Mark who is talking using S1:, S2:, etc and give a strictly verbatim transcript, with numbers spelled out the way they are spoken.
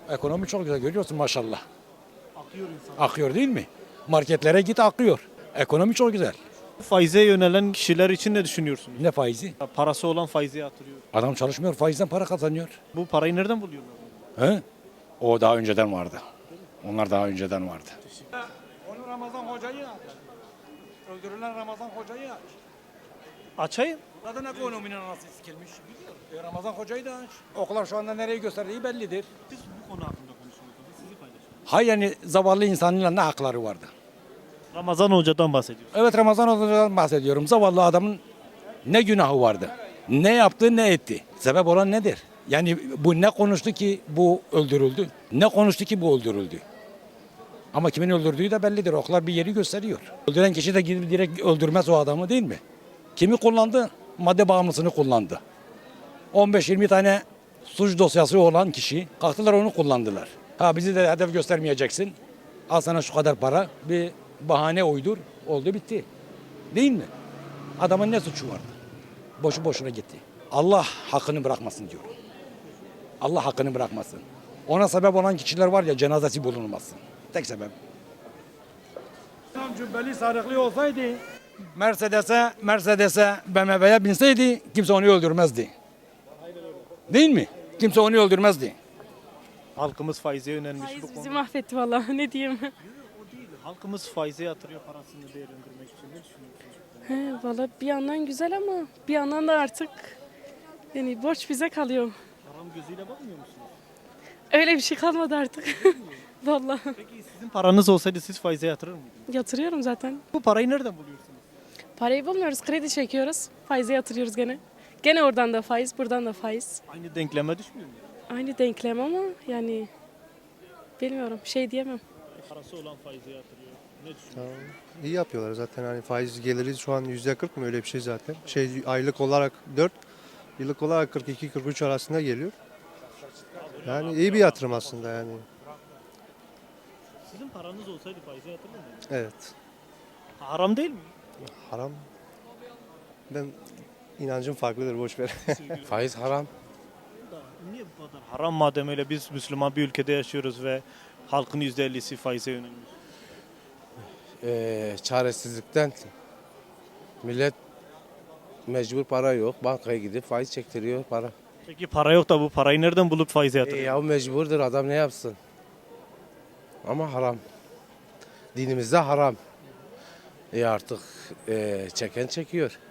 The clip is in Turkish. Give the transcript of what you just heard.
S1: Ekonomi çok güzel görüyorsun maşallah.
S2: Akıyor insan.
S1: Akıyor değil mi? Marketlere git akıyor. Ekonomi çok güzel.
S2: Faize yönelen kişiler için ne düşünüyorsunuz?
S1: Ne faizi?
S2: Parası olan faize yatırıyor.
S1: Adam çalışmıyor, faizden para kazanıyor.
S2: Bu parayı nereden buluyorlar?
S1: He? O daha önceden vardı. Onlar daha önceden vardı. Onu Ramazan hocayı aç. Öldürülen Ramazan hocayı aç.
S2: Açayım.
S1: Zaten ekonominin anası sikilmiş. E, Ramazan hocayı da aç. Okullar şu anda nereye gösterdiği bellidir.
S2: Biz bu konu hakkında konuşuyoruz. Biz sizi paylaşalım.
S1: Hay yani zavallı insanın ne hakları vardı?
S2: Ramazan Hoca'dan bahsediyoruz.
S1: Evet Ramazan hoca'dan bahsediyorum. Zavallı adamın ne günahı vardı? Ne yaptı ne etti? Sebep olan nedir? Yani bu ne konuştu ki bu öldürüldü? Ne konuştu ki bu öldürüldü? Ama kimin öldürdüğü de bellidir. Oklar bir yeri gösteriyor. Öldüren kişi de gidip direkt öldürmez o adamı değil mi? Kimi kullandı? Madde bağımlısını kullandı. on beş yirmi tane suç dosyası olan kişi kalktılar onu kullandılar. Ha bizi de hedef göstermeyeceksin. Al sana şu kadar para. Bir bahane uydur. Oldu bitti. Değil mi? Adamın ne suçu vardı? Boşu boşuna gitti. Allah hakkını bırakmasın diyorum. Allah hakkını bırakmasın. Ona sebep olan kişiler var ya cenazesi bulunmasın. Tek sebep. Cübbeli sarıklı olsaydı Mercedes'e, Mercedes'e, B M W'ye binseydi kimse onu öldürmezdi. Değil mi? Kimse onu öldürmezdi.
S2: Halkımız faize yönelmiş
S3: Faiz
S2: bu
S3: bizi
S2: konu.
S3: mahvetti vallahi ne diyeyim.
S2: O değil. Halkımız faize yatırıyor parasını değerlendirmek için. Ne düşünüyorsunuz?
S3: He, vallahi bir yandan güzel ama bir yandan da artık yani borç bize kalıyor.
S2: Haram gözüyle bakmıyor musunuz?
S3: Öyle bir şey kalmadı artık. Vallahi
S2: Peki sizin paranız olsaydı siz faize yatırır mıydınız?
S3: yatırıyorum zaten.
S2: Bu parayı nereden buluyorsunuz?
S3: Parayı bulmuyoruz, kredi çekiyoruz. Faize yatırıyoruz gene. Gene oradan da faiz, buradan da faiz.
S2: Aynı denkleme düşmüyor mu?
S3: Aynı denklem ama yani bilmiyorum, şey diyemem.
S2: Parası olan faize yatırıyor. Ne düşünüyorsunuz?
S4: İyi yapıyorlar zaten hani faiz geliri şu an yüzde kırk mı öyle bir şey zaten. Şey aylık olarak dört, yıllık olarak kırk iki kırk üç arasında geliyor. Yani iyi bir yatırım aslında yani.
S2: Sizin paranız olsaydı faize yatırır mıydınız?
S4: Evet.
S2: Haram değil mi?
S4: Haram. Ben inancım farklıdır boş ver.
S5: Faiz haram.
S2: Da niye bu kadar haram madem öyle biz Müslüman bir ülkede yaşıyoruz ve halkın yüzde ellisi faize yönelmiş.
S5: Ee, çaresizlikten millet mecbur para yok. Bankaya gidip faiz çektiriyor para.
S2: Peki para yok da bu parayı nereden bulup faize
S5: E,
S2: yatırıyor?
S5: ya mecburdur adam ne yapsın? Ama haram. Dinimizde haram. E artık e, çeken çekiyor.